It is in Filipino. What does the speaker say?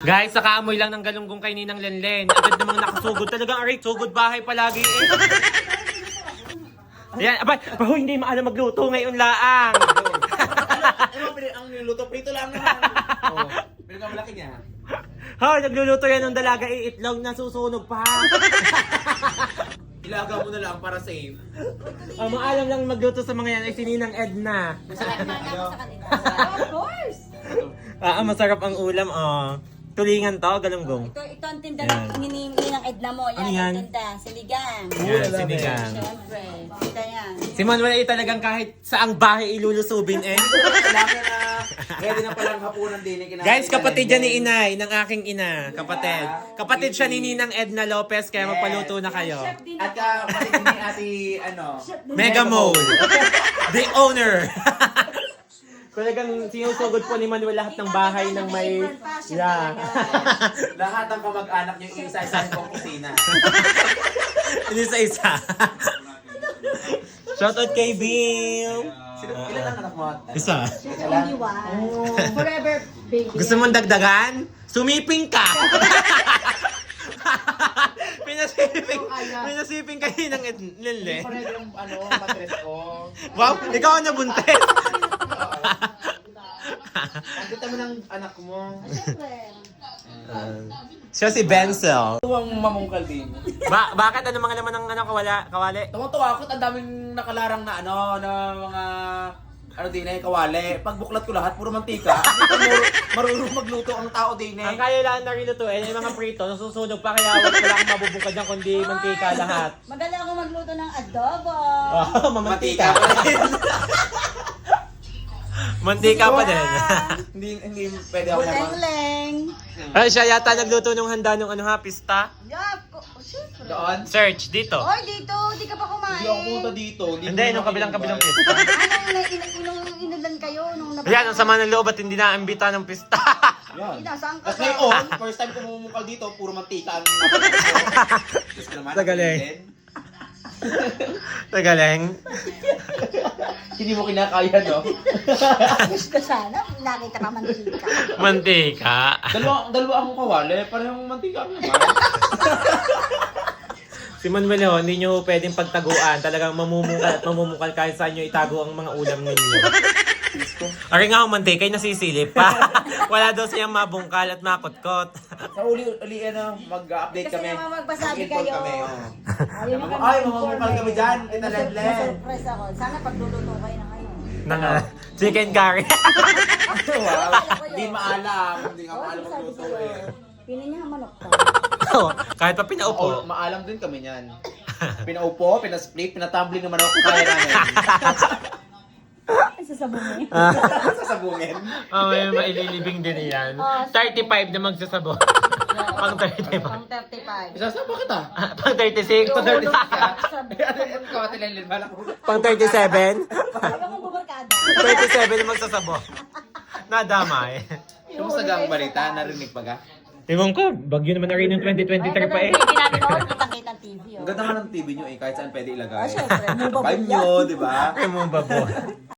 Guys, nakaamoy lang ng galunggong kay Ninang Lenlen. Agad namang nakasugod. Talagang aray, sugod bahay palagi eh. Ayan, abay, paho hindi maalam magluto ngayon laang. Ang niluto, prito lang naman. Oh, pero ka malaki niya. Hoy, nagluluto yan ng dalaga, iitlog na susunog pa. Ilaga mo na lang para safe. Ang maalam lang magluto sa mga yan ay si Ninang Edna. Of course! Masarap ang ulam, oh. Tulingan to, galunggong. Ito ang tinda Yan. ng ng Edna mo. Ano Yan, yan? ang tinda. Siligang. Yan, sinigang. Siyempre. Tinda yan. Si Manuel ay talagang kahit saang bahay ilulusubin eh. Kailangan na, ready na palang hapunan din. Guys, kapatid yan ni Inay, ng aking ina. Kapatid. Kapatid siya ni Ninang Edna Lopez, kaya magpaluto na kayo. At kapatid ni ate, ano, Mega Mole. The owner. Talagang sinusugod po ni Manuel lahat ng bahay ng may... Yeah. lahat ng kamag-anak niyo isa-isa kong kusina. Hindi sa isa. Shoutout kay Bill. Ilan ang anak mo? Isa. Only one. Forever baby. Gusto mong dagdagan? Sumiping ka! Pinasiping kayo ng Lille. Pareho yung matres ko. Wow, ikaw ang nabuntis. Ang ganda mo ng anak mo. Siyempre. Siya si Benzel. Tuwang mamungkal din. Bakit? Ano mga laman ng kawali? Tawang-tawa ako at ang daming nakalarang na na mga din eh, kawali. Pagbuklat ko lahat, puro mantika. Marunong magluto ang tao din eh. Ang kaya lang na rilutuin ay mga prito, nasusunog pa kaya wala akong mabubukad dyan kundi mantika lahat. Magaling ako magluto ng adobo. Oh, mamantika. Mantika pa rin. Mantika pa din. hindi pwede ako naman. Buleng-leng. Ay, siya yata nagluto ng handa ng pista. Yeah, siyempre. Doon? Search, dito. Oy, dito. Hindi ka pa kumain. Hindi ako pumunta dito. Hindi, nung kabilang pista. Anong inulan kayo? Nung Ayan, ang sama ng loob at hindi na-ambita ng pista. Yan. Saan ka Tapos ba? ngayon, first time ko mumukal dito, puro mantika ang napapagod ko. Sa galing. Tagaling. Hindi mo kinakaya, no? Gusto sana. Nakita ka mantika. Mantika. Dalawa akong kawali, parehong mantika naman. Si Manuel, hindi nyo pwedeng pagtaguan. Talagang mamumukal at mamumukal kahit saan nyo itago ang mga ulam ninyo. Ari nga ang mantika ay nasisilip pa. Wala daw siyang mabungkal at makutkot. Sa uli, mag-update Kasi kami. naman magbasabi Mag-inform kayo. kami, oh. Ayaw mo kami Ay, ma-inform mamumukal eh. kami dyan. Kita Lenlen. Surprise ako. Sana pagluluto kayo na ngayon. Ng chicken curry. Wow. Hindi maalam. Hindi nga maalam Sabi magluto sa'yo, eh. pinin niya ang manok ka. Kahit pa pinaupo. Maalam din kami niyan. Pinaupo, pinasplit, pinatumbling naman ako. Kaya namin. Ay, sasabungin. Sasabungin. May maililibing din yan. 35 na magsasabot. Pang 35. Pang 35. Isasama kita. Pang 36. Pang 36 ka. Sabi. Ano yung kawati Lenlen? Balak ko. Pang 37. Ayaw mo bubarkada. 37 na magsasabot. Nadamay. Kumusta gang balita? Narinig pa ka? Tingnan ko, bagyo naman na rin ng 2023 pa eh. Hindi namin ako kitang-kita ng TV. Ang ganda nga ng TV nyo eh, kahit saan pwede ilagay. Syempre, mobile Vibe nyo, di ba? Ay mo ba po?